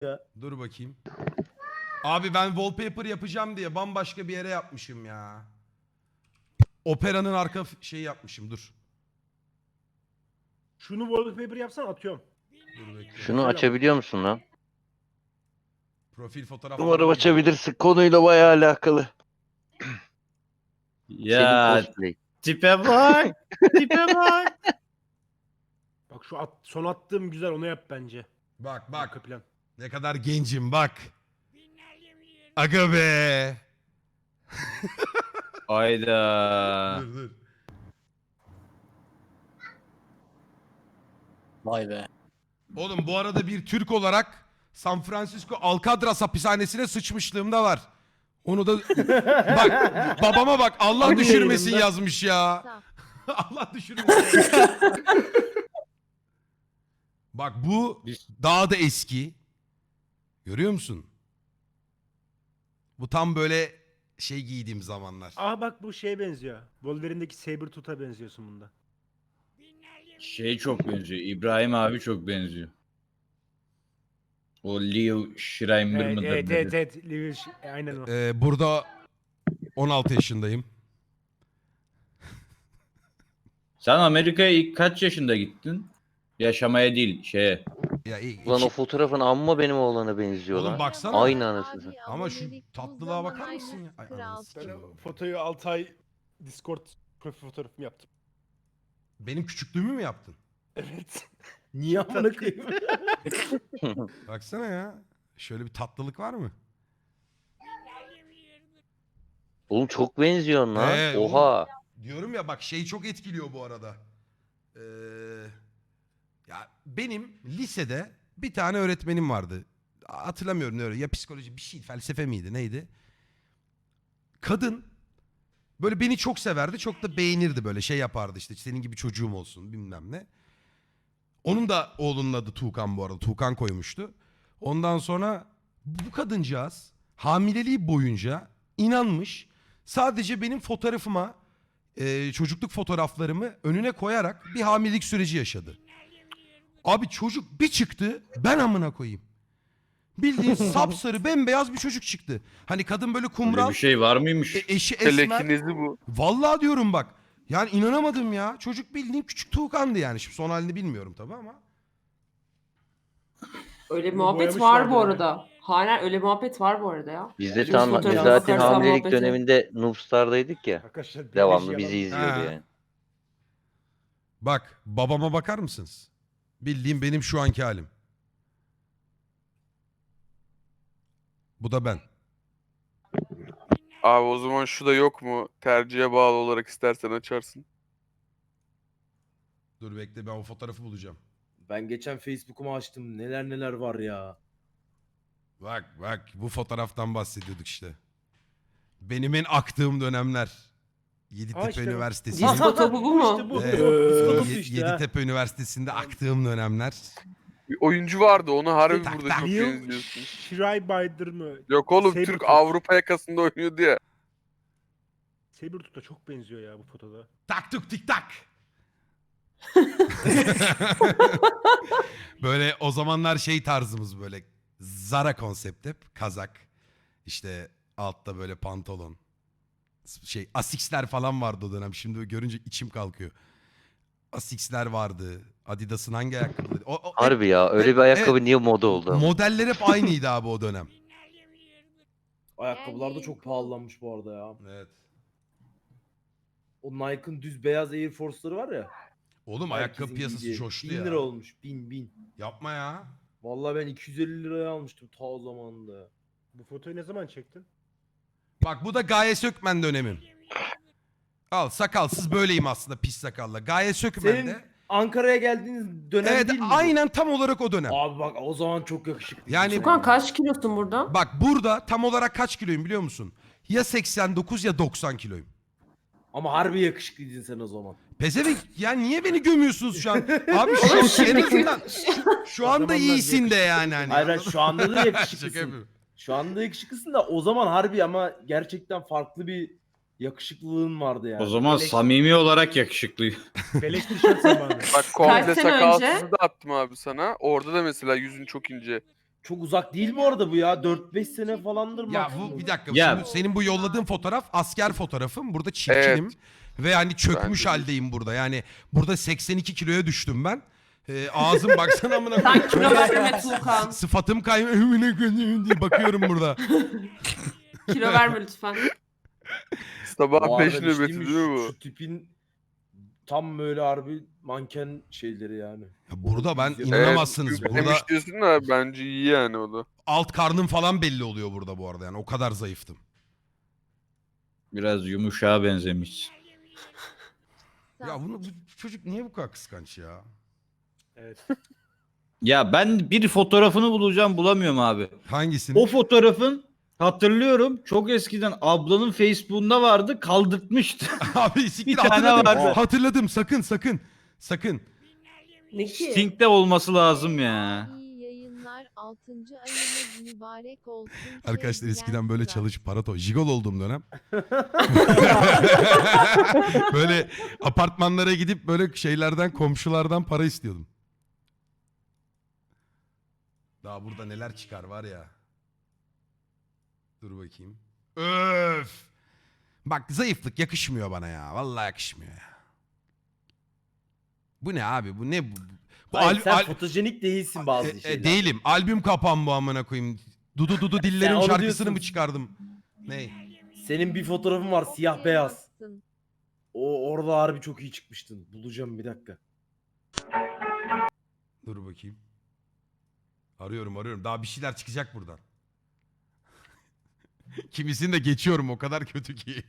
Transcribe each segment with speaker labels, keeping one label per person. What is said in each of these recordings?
Speaker 1: ya.
Speaker 2: Dur bakayım. Abi ben wallpaper yapacağım diye bambaşka bir yere yapmışım ya. Operanın arka şeyi yapmışım, dur.
Speaker 1: Şunu wallpaper yapsan atıyorum.
Speaker 2: Dur bekle.
Speaker 3: Şunu açabiliyor musun lan?
Speaker 2: Profil fotoğrafları.
Speaker 3: Umarım açabilirsin. Konuyla bayağı alakalı. Senin
Speaker 4: Ya
Speaker 3: cosplay.
Speaker 4: tipe bak. Tipe bak.
Speaker 1: Bak şu son attığım güzel, onu yap bence.
Speaker 2: Bak
Speaker 1: Arka
Speaker 2: bak.
Speaker 1: plan.
Speaker 2: Ne kadar gencim bak. Aga be.
Speaker 4: Hayda.
Speaker 2: Dur dur.
Speaker 5: Vay be.
Speaker 2: Oğlum bu arada bir Türk olarak San Francisco Alcatraz hapishanesine sıçmışlığım da var. Onu da bak babama bak, Allah
Speaker 1: Hangi
Speaker 2: düşürmesin
Speaker 1: yayınında?
Speaker 2: yazmış ya. Allah düşürmesin. Bak bu daha da eski. Görüyor musun? Bu tam böyle şey giydiğim zamanlar.
Speaker 1: Aa bak bu şeye benziyor. Wolverine'deki Sabretooth'a benziyorsun bunda.
Speaker 4: Şey çok benziyor. İbrahim abi çok benziyor. O Leo Schreiber
Speaker 1: Evet
Speaker 4: mıdır?
Speaker 1: evet
Speaker 4: nedir?
Speaker 1: evet. Evet. Aynen o.
Speaker 2: Burada 16 yaşındayım.
Speaker 4: Sen Amerika'ya ilk kaç yaşında gittin? Yaşamaya değil şeye.
Speaker 2: Ya,
Speaker 3: Ulan o fotoğrafın amma benim oğlana benziyor
Speaker 2: Oğlum
Speaker 3: lan.
Speaker 2: baksana.
Speaker 3: Aynı anasını.
Speaker 2: Ama şu tatlılığa bakar mısın ya? Ay,
Speaker 1: Ben
Speaker 2: anasını.
Speaker 1: o fotoyu 6 ay Discord profil fotoğrafımı yaptım.
Speaker 2: Benim küçüklüğümü mü yaptın?
Speaker 1: Evet.
Speaker 5: Niye amına koyayım?
Speaker 2: Baksana ya. Şöyle bir tatlılık var mı?
Speaker 3: Oğlum çok benziyorsun lan.
Speaker 2: Oğlum,
Speaker 3: Oha.
Speaker 2: diyorum ya bak, şey çok etkiliyor bu arada. Ya benim lisede bir tane öğretmenim vardı. Hatırlamıyorum ne öyle. Ya psikoloji bir şey, felsefe miydi neydi? Kadın böyle beni çok severdi. Çok da beğenirdi, böyle şey yapardı işte, senin gibi çocuğum olsun bilmem ne. Onun da oğlunun adı Tuğkan bu arada. Tuğkan koymuştu. Ondan sonra bu kadıncağız hamileliği boyunca inanmış. Sadece benim fotoğrafıma, çocukluk fotoğraflarımı önüne koyarak bir hamilelik süreci yaşadı. Abi çocuk bir çıktı, ben amına koyayım. Bildiğin sapsarı bembeyaz bir çocuk çıktı. Hani kadın böyle
Speaker 4: Öyle
Speaker 2: kumral,
Speaker 4: bir şey var mıymış?
Speaker 2: eşi esmer.
Speaker 6: Telekinezi bu.
Speaker 2: Vallahi diyorum bak. Yani inanamadım ya. Çocuk bildiğin küçük Tuğkan'dı yani. Şimdi son halini bilmiyorum tabii ama.
Speaker 7: Öyle bir
Speaker 1: Bunu
Speaker 7: muhabbet var
Speaker 1: boyamışlardı
Speaker 7: bu
Speaker 1: yani.
Speaker 7: arada. Hala öyle muhabbet var bu arada ya.
Speaker 3: Biz
Speaker 7: Şimdi fotoğrafa
Speaker 3: zaten
Speaker 7: bakarsan
Speaker 3: hamilelik
Speaker 7: muhabbeti.
Speaker 3: döneminde Noobstar'daydık ya.
Speaker 1: Arkadaşlar
Speaker 3: Devamlı
Speaker 1: biyoloji
Speaker 3: bizi
Speaker 1: yalan.
Speaker 3: izliyordu
Speaker 2: Ha.
Speaker 3: yani.
Speaker 2: Bak babama bakar mısınız? Bildiğim benim şu anki halim. Bu da ben.
Speaker 6: Abi o zaman şu da yok mu? Tercihe bağlı olarak istersen açarsın.
Speaker 2: Dur bekle, ben o fotoğrafı bulacağım.
Speaker 5: Ben geçen Facebook'umu açtım. Neler neler var ya.
Speaker 2: Bak bak, bu fotoğraftan bahsediyorduk işte. Benim en aktığım dönemler. Yeditepe
Speaker 1: işte bu.
Speaker 2: Üniversitesi'nin.
Speaker 7: Disco topu bu mu?
Speaker 1: İşte bu.
Speaker 2: Evet,
Speaker 5: Disco
Speaker 1: Ee,
Speaker 5: topu işte ha.
Speaker 2: Yeditepe Üniversitesi'nde aktığım dönemler.
Speaker 6: Bir oyuncu vardı, onu harbi
Speaker 2: Tak,
Speaker 6: burada
Speaker 2: tak.
Speaker 6: çok
Speaker 1: Neil
Speaker 6: benziyorsun.
Speaker 1: Schreiber mı?
Speaker 6: Yok oğlum,
Speaker 1: Sabretooth.
Speaker 6: Türk Avrupa yakasında oynuyordu ya.
Speaker 1: Sabretooth'a çok benziyor ya bu fotoda.
Speaker 2: Tak tuk tik tak. Böyle o zamanlar şey tarzımız, böyle Zara konsept, hep kazak. İşte altta böyle pantolon. Şey Asics'ler falan vardı o dönem. Şimdi görünce içim kalkıyor. Asics'ler vardı. Adidas'ın hangi ayakkabıları?
Speaker 3: Harbi ya öyle bir ayakkabı
Speaker 2: Evet.
Speaker 3: niye moda oldu? ama?
Speaker 2: Modeller hep aynıydı abi o dönem.
Speaker 5: Ayakkabılar da çok pahalanmış bu arada ya.
Speaker 2: Evet.
Speaker 5: O Nike'ın düz beyaz Air Force'ları var ya.
Speaker 2: Oğlum ayakkabı
Speaker 5: herkesin
Speaker 2: piyasası
Speaker 5: giydiği.
Speaker 2: coştu
Speaker 5: 1000
Speaker 2: ya.
Speaker 5: lira olmuş. 1000.
Speaker 2: Yapma ya.
Speaker 5: Vallahi ben 250 liraya almıştım ta o zamanında.
Speaker 1: Bu fotoyu ne zaman çektin?
Speaker 2: Bak bu da Gaye Sökmen dönemim. Al, sakalsız böyleyim aslında, pis sakalla. Gaye Sökmen'de.
Speaker 5: Senin Ankara'ya geldiğiniz dönem
Speaker 2: Evet
Speaker 5: değil mi? bu?
Speaker 2: aynen tam olarak o dönem.
Speaker 5: Abi bak o zaman çok yakışıklı.
Speaker 2: Yani-
Speaker 7: Tukan kaç kilosun burada?
Speaker 2: Bak burada tam olarak kaç kiloyum biliyor musun? Ya 89 ya 90 kiloyum.
Speaker 5: Ama harbi yakışıklıydın sen o zaman.
Speaker 2: Pezevenk ya, niye beni gömüyorsunuz şu an? Abi şu an en azından şu anda
Speaker 1: zamanlar
Speaker 2: iyisin de yani. Hani,
Speaker 5: Hayır
Speaker 2: anladın
Speaker 5: şu anda da
Speaker 2: mı? Şaka
Speaker 5: yakışıklısın.
Speaker 2: yapıyorum.
Speaker 5: Şu anda yakışıklısın da o zaman harbi ama gerçekten farklı bir yakışıklılığın vardı yani.
Speaker 4: O zaman
Speaker 1: Beleş-
Speaker 4: samimi olarak yakışıklı.
Speaker 1: Beleş tişört zamanı.
Speaker 6: Bak komple
Speaker 7: sene
Speaker 6: sakalsızı
Speaker 7: önce?
Speaker 6: da attım abi sana. Orada da mesela yüzün çok ince.
Speaker 5: Çok uzak değil bu arada bu ya. 4-5 sene falandır
Speaker 2: Ya
Speaker 5: maksimum.
Speaker 2: bu bir dakika.
Speaker 4: Ya-
Speaker 2: Şimdi senin bu yolladığın fotoğraf asker fotoğrafım. Burada çirkinim. Ve hani çökmüş
Speaker 6: Bence de.
Speaker 2: haldeyim burada. Yani burada 82 kiloya düştüm ben. Ağzım baksana amına
Speaker 7: Sen
Speaker 2: koyayım.
Speaker 7: kilo verme Tuğkan.
Speaker 2: Sıfatım kaymıyor diye bakıyorum burada.
Speaker 7: Kilo verme lütfen.
Speaker 6: Sabah
Speaker 5: Bu
Speaker 6: 5
Speaker 5: arada bir şey
Speaker 6: nöbeti
Speaker 5: mi?
Speaker 6: değil mi bu?
Speaker 5: Şu tipin tam böyle harbi manken şeyleri yani.
Speaker 2: Ya burada ben
Speaker 5: Evet,
Speaker 2: inanamazsınız.
Speaker 5: evet.
Speaker 2: Burada
Speaker 6: Demiş diyorsun da bence iyi yani o da.
Speaker 2: alt karnım falan belli oluyor burada bu arada. Yani o kadar zayıftım.
Speaker 4: Biraz yumuşağa benzemiş.
Speaker 2: Ya bu çocuk niye bu kadar kıskanç ya?
Speaker 1: Evet.
Speaker 4: Ya ben bir fotoğrafını bulacağım, bulamıyorum abi.
Speaker 2: Hangisini?
Speaker 4: O fotoğrafın hatırlıyorum, çok eskiden ablanın Facebook'unda vardı, kaldırtmıştı.
Speaker 2: Abi siktir
Speaker 4: Bir tane
Speaker 2: hatırladım.
Speaker 4: vardı.
Speaker 2: Hatırladım sakın.
Speaker 7: Ne ki?
Speaker 4: Stink'te olması lazım ya.
Speaker 8: İyi yayınlar 6. ayınız mübarek olsun.
Speaker 2: Arkadaşlar
Speaker 8: Sevgiler
Speaker 2: eskiden böyle
Speaker 8: Tugay.
Speaker 2: çalışıp para jigol olduğum dönem. Böyle apartmanlara gidip böyle şeylerden komşulardan para istiyordum. Daha burada neler çıkar var ya. Dur bakayım. Öf. Bak zayıflık yakışmıyor bana ya. Vallahi yakışmıyor ya. Bu ne abi? Bu ne bu? Bu
Speaker 5: Hayır, sen fotojenik değilsin bazı şeyler.
Speaker 2: değilim. Albüm kapan bu amına koyayım. Dudu dillerin
Speaker 5: onu
Speaker 2: şarkısını
Speaker 5: diyorsun.
Speaker 2: mı çıkardım? Ne?
Speaker 5: Senin bir fotoğrafın var siyah beyaz.
Speaker 8: Yapsın.
Speaker 5: O orada harbi çok iyi çıkmıştın. Bulacağım bir dakika.
Speaker 2: Dur bakayım. Arıyorum. Daha bir şeyler çıkacak buradan. Kimisini de geçiyorum o kadar kötü ki.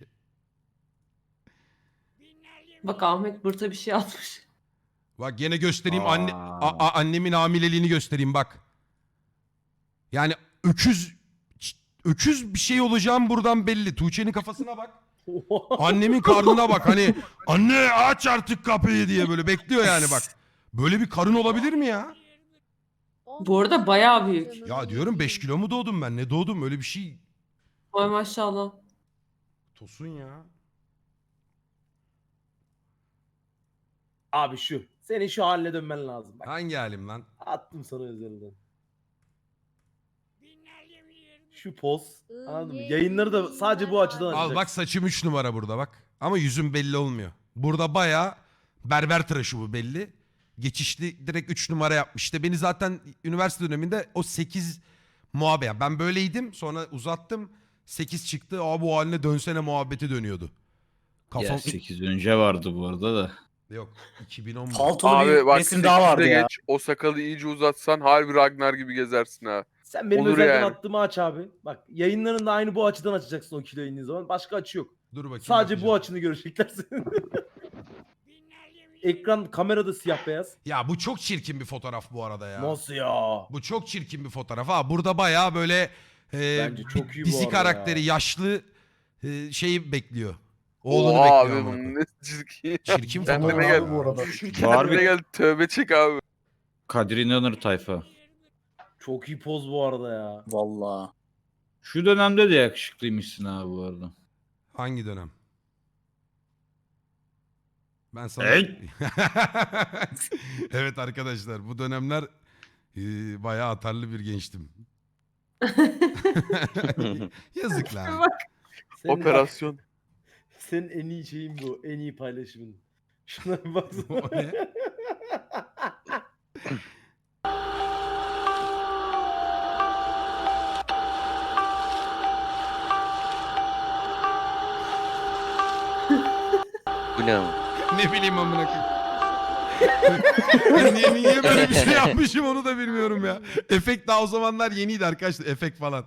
Speaker 7: Bak Ahmet Bırt'a bir şey atmış.
Speaker 2: Bak gene göstereyim
Speaker 4: Aa.
Speaker 2: annemin hamileliğini göstereyim bak. Yani öküz bir şey olacağım buradan belli. Tuğçe'nin kafasına bak. Annemin karnına bak hani anne aç artık kapıyı diye böyle bekliyor yani bak. Böyle bir karın olabilir mi ya?
Speaker 7: Bu arada bayağı büyük.
Speaker 2: Ya diyorum 5 kilo mu doğdum ben? Ne doğdum? Öyle bir şey.
Speaker 7: Vay maşallah.
Speaker 2: Tosun ya.
Speaker 5: Abi şu. Senin şu haline dönmen lazım. Bak,
Speaker 2: Hangi halim lan?
Speaker 5: attım sana özelden. Şu poz. Anladın mı? Yayınları da sadece bu açıdan
Speaker 2: Al
Speaker 5: açacaksın.
Speaker 2: bak saçım 3 numara burada bak. Ama yüzüm belli olmuyor. Burada bayağı berber tıraşı bu belli. Geçişli direkt 3 numara yapmış. İşte beni zaten üniversite döneminde o 8 muhabbet. Yani ben böyleydim sonra uzattım. 8 çıktı. Aa bu haline dönsene muhabbeti dönüyordu. Kafam...
Speaker 4: Ya 8 önce vardı bu arada da.
Speaker 2: Yok 2010 mu?
Speaker 9: Paltolu
Speaker 6: Abi
Speaker 9: bir
Speaker 6: bak
Speaker 9: resim daha vardı
Speaker 6: 8'de
Speaker 9: ya.
Speaker 6: geç o sakalı iyice uzatsan harbi Ragnar gibi gezersin ha.
Speaker 5: Sen benim
Speaker 6: Olur
Speaker 5: özelden
Speaker 6: yani.
Speaker 5: attığımı aç abi. Bak yayınların da aynı bu açıdan açacaksın o kiloyu indiğin zaman. Başka açı yok.
Speaker 2: Dur bakayım.
Speaker 5: Sadece bu
Speaker 2: bakacağım.
Speaker 5: açını görecekler senin. Ekran kamerada siyah beyaz.
Speaker 2: Ya bu çok çirkin bir fotoğraf bu arada ya.
Speaker 5: Nasıl ya?
Speaker 2: Bu çok çirkin bir fotoğraf. Ha burada bayağı böyle
Speaker 5: Bence çok
Speaker 2: bir
Speaker 5: iyi bu
Speaker 2: dizi
Speaker 5: arada
Speaker 2: karakteri
Speaker 5: ya.
Speaker 2: yaşlı şeyi bekliyor. Oğlunu
Speaker 6: Oha
Speaker 2: bekliyor.
Speaker 6: abi
Speaker 2: amına
Speaker 6: bu
Speaker 2: koyayım.
Speaker 6: ne çirkin.
Speaker 2: Çirkin
Speaker 6: Kendine
Speaker 2: fotoğraf.
Speaker 6: gel.
Speaker 9: Abi bu arada.
Speaker 6: Kendine gel tövbe çek abi.
Speaker 4: Kadir İnanır tayfa.
Speaker 5: Çok iyi poz bu arada ya.
Speaker 9: Vallahi.
Speaker 4: Şu dönemde de yakışıklıymışsın abi bu arada.
Speaker 2: Hangi dönem? Ben sana...
Speaker 4: Hey!
Speaker 2: Evet arkadaşlar bu dönemler bayağı atarlı bir gençtim. Yazık lan.
Speaker 5: Senin,
Speaker 6: Operasyon.
Speaker 5: Senin en iyi şeyin bu. En iyi paylaşımın. Şuna bir baksana.
Speaker 2: O ne?
Speaker 3: Bu ne ama?
Speaker 2: Ne bileyim amına koyayım. niye böyle bir şey yapmışım onu da bilmiyorum ya. Efekt daha o zamanlar yeniydi arkadaşlar. Efekt falan.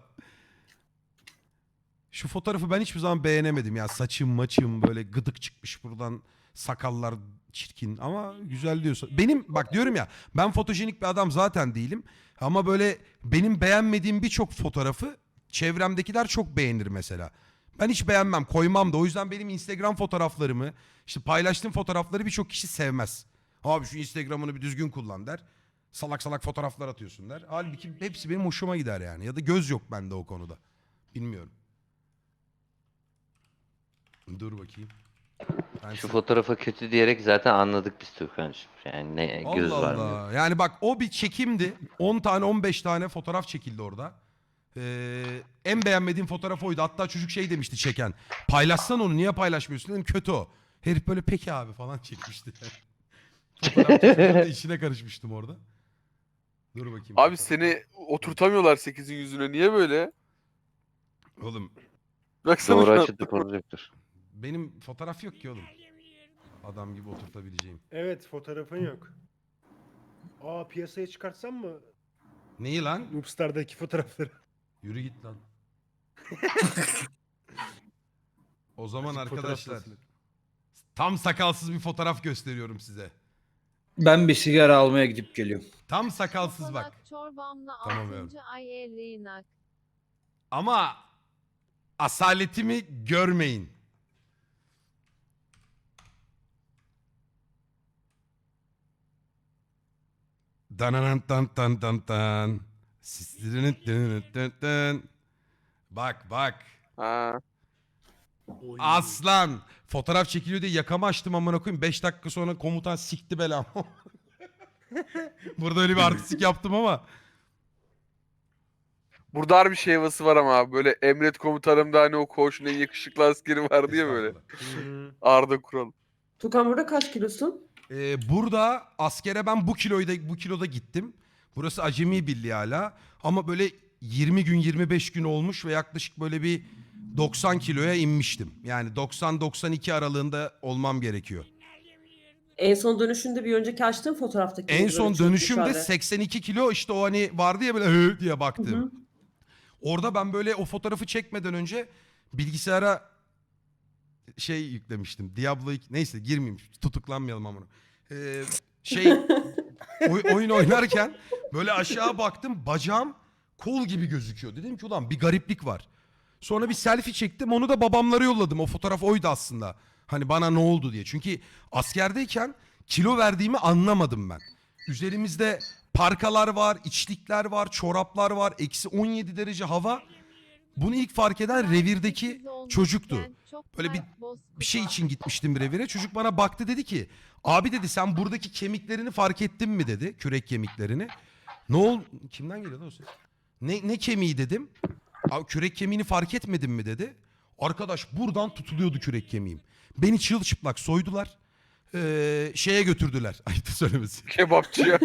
Speaker 2: Şu fotoğrafı ben hiçbir zaman beğenemedim ya. Saçım maçım böyle gıdık çıkmış buradan. Sakallar çirkin ama güzel diyorsa. Benim bak diyorum ya ben fotojenik bir adam zaten değilim. Ama böyle benim beğenmediğim birçok fotoğrafı çevremdekiler çok beğenir mesela. Ben hiç beğenmem, koymam da. O yüzden benim Instagram fotoğraflarımı, işte paylaştığım fotoğrafları birçok kişi sevmez. Abi şu Instagram'ını bir düzgün kullan der. Salak salak fotoğraflar atıyorsun der. Halbuki hepsi benim hoşuma gider yani. Ya da göz yok bende o konuda. Bilmiyorum. Dur bakayım. Ben
Speaker 3: Şu
Speaker 2: sen-
Speaker 3: fotoğrafa kötü diyerek zaten anladık biz Tuğkan'cığım. Yani ne göz
Speaker 2: Allah
Speaker 3: var mı?
Speaker 2: Allah. Yani bak o bir çekimdi. 10 tane 15 tane fotoğraf çekildi orada. En beğenmediğim fotoğraf oydu. Hatta çocuk şey demişti çeken. Paylaşsan onu niye paylaşmıyorsun dedim. Kötü o. Herif böyle peki abi falan çekmişti. Fotoğraf çekiminin de içine karışmıştım orada. Dur bakayım.
Speaker 6: Abi seni oturtamıyorlar 8'in yüzüne. Niye böyle?
Speaker 2: Oğlum
Speaker 6: Baksana
Speaker 3: Doğru
Speaker 6: şu an.
Speaker 3: açıda projektör.
Speaker 2: benim fotoğraf yok ki oğlum. Adam gibi oturtabileceğim.
Speaker 1: Evet fotoğrafın yok. Aa piyasaya çıkartsam mı
Speaker 2: Neyi lan?
Speaker 1: Noobstar'daki fotoğrafları?
Speaker 2: Yürü git lan. O zaman
Speaker 1: Fotoğraf
Speaker 2: arkadaşlar
Speaker 1: tasarı.
Speaker 2: tam sakalsız bir fotoğraf gösteriyorum size.
Speaker 4: Ben bir sigara almaya gidip geliyorum.
Speaker 2: Tam sakalsız bak.
Speaker 8: Kokonat çorbamla
Speaker 2: Tamam
Speaker 8: 6. ay erinak.
Speaker 2: Ama asaletimi görmeyin. Dananan tan tan tan tan. Sislerinin dın dın dın. Bak bak.
Speaker 6: Ha.
Speaker 1: Oy.
Speaker 2: Aslan. Fotoğraf çekiliyor diye yakamı açtım amına koyayım. 5 dakika sonra komutan sikti belamı. Burada öyle bir artistik yaptım ama.
Speaker 6: Burada harbi şey havası var ama abi. Böyle emret komutanımda hani o koğuşun en yakışıklı askeri vardı ya böyle.
Speaker 2: Estağfurullah.
Speaker 1: Hı.
Speaker 6: Arda Kural.
Speaker 7: Tukan burada kaç kilosun?
Speaker 2: Burada askere ben bu kiloda gittim. Burası Acemi Birliği hala. Ama böyle 20 gün 25 gün olmuş ve yaklaşık böyle bir 90 kiloya inmiştim. Yani 90-92 aralığında olmam gerekiyor.
Speaker 7: En son dönüşünde bir önceki açtığın fotoğraftaki.
Speaker 2: En
Speaker 7: böyle
Speaker 2: son
Speaker 7: çok
Speaker 2: dönüşümde
Speaker 7: dışarıda.
Speaker 2: 82 kilo işte o hani vardı ya böyle hı diye
Speaker 7: Hı
Speaker 2: baktım.
Speaker 7: hı.
Speaker 2: Orada ben böyle o fotoğrafı çekmeden önce bilgisayara şey yüklemiştim. Diablo 2 neyse girmeyeyim tutuklanmayalım ama. Şey oyun oynarken böyle aşağı baktım bacağım kol gibi gözüküyor. Dedim ki ulan bir gariplik var. Sonra bir selfie çektim onu da babamlara yolladım. O fotoğraf oydu aslında. Hani bana ne oldu diye. Çünkü askerdeyken kilo verdiğimi anlamadım ben. Üzerimizde parkalar var, içlikler var, çoraplar var. Eksi 17 derece hava. Bunu ilk fark eden revirdeki çocuktu. Böyle bir şey için gitmiştim revire. Çocuk bana baktı dedi ki abi dedi sen buradaki kemiklerini fark ettin mi dedi. Kürek kemiklerini. Ne ol kimden geliyor lan o ses? Ne kemiği dedim. Abi kürek kemiğini fark etmedin mi dedi. Arkadaş buradan tutuluyordu kürek kemiğim. Beni çırılçıplak soydular. Şeye götürdüler. Ayıptır söylemesi.
Speaker 6: Kebapçıya.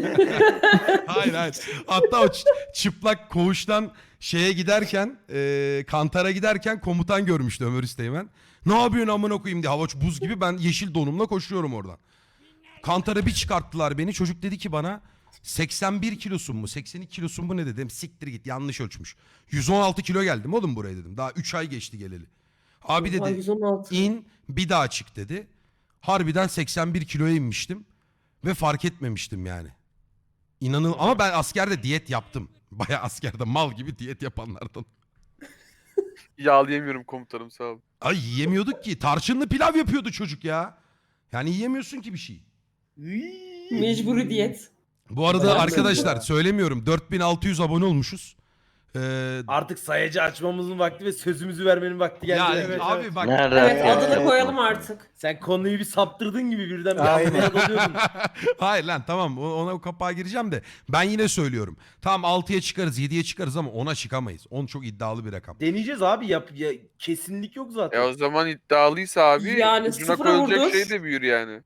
Speaker 2: Hayır hayır. Hatta o çıplak koğuştan şeye giderken Kantar'a giderken komutan görmüştü Ömer Üsteğmen. Ne yapıyorsun amına koyayım diye hava buz gibi ben yeşil donumla koşuyorum oradan. Kantar'a bir çıkarttılar beni. Çocuk dedi ki bana 81 kilosun mu 82 kilosun mu ne dedim. Siktir git yanlış ölçmüş. 116 kilo geldim oğlum buraya dedim. Daha 3 ay geçti geleli. Abi
Speaker 7: Ay,
Speaker 2: dedi
Speaker 7: 116.
Speaker 2: in bir daha çık dedi. Harbiden 81 kiloya inmiştim. Ve fark etmemiştim yani. İnanın ama ben askerde diyet yaptım. Baya askerde mal gibi diyet yapanlardan.
Speaker 6: Yağlayamıyorum komutanım sağ ol.
Speaker 2: Ay yiyemiyorduk ki. Tarçınlı pilav yapıyordu çocuk ya. Yani yiyemiyorsun ki bir şey.
Speaker 7: Mecburi diyet.
Speaker 2: Bu arada
Speaker 5: Dayanmıyor
Speaker 2: arkadaşlar
Speaker 5: ya.
Speaker 2: söylemiyorum. 4600 abone olmuşuz.
Speaker 5: Artık sayacı açmamızın vakti ve sözümüzü vermenin vakti geldi.
Speaker 2: Ya
Speaker 1: evet,
Speaker 2: abi
Speaker 1: evet.
Speaker 2: bak.
Speaker 3: Nerede?
Speaker 7: Evet
Speaker 3: ya?
Speaker 7: adını koyalım artık.
Speaker 5: Sen konuyu bir saptırdın gibi birden bir
Speaker 1: Aynen.
Speaker 5: anlamaya dalıyordun.
Speaker 2: Hayır lan tamam ona o kapağa gireceğim de. Ben yine söylüyorum. Tamam 6'ya çıkarız 7'ye çıkarız ama 10'a çıkamayız. 10 çok iddialı bir rakam.
Speaker 5: Deneyeceğiz abi ya, kesinlik yok zaten.
Speaker 6: O zaman iddialıysa abi
Speaker 7: Yani
Speaker 6: ucuna
Speaker 7: sıfıra
Speaker 6: koyulacak
Speaker 7: vurdur.
Speaker 6: şey de büyür yani.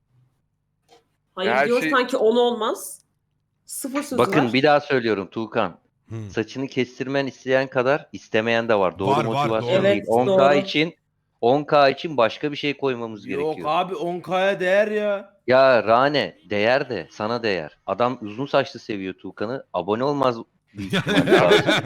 Speaker 7: Hayır
Speaker 6: Her
Speaker 7: diyor
Speaker 6: şey-
Speaker 7: sanki 10 olmaz. Sıfır sözü
Speaker 3: Bakın
Speaker 7: var.
Speaker 3: bir daha söylüyorum Tuğkan.
Speaker 2: Hı.
Speaker 3: Saçını kestirmen isteyen kadar istemeyen de var. Doğru
Speaker 2: Var,
Speaker 3: motivasyon
Speaker 2: doğru.
Speaker 3: değil.
Speaker 7: Evet,
Speaker 3: 10K
Speaker 7: doğru.
Speaker 3: için 10K için başka bir şey koymamız
Speaker 5: Yok
Speaker 3: gerekiyor.
Speaker 5: abi 10K'ya değer ya.
Speaker 3: Ya Rane değer de sana değer. Adam uzun saçlı seviyor Tuğkan'ı. Abone olmaz büyük ihtimalle.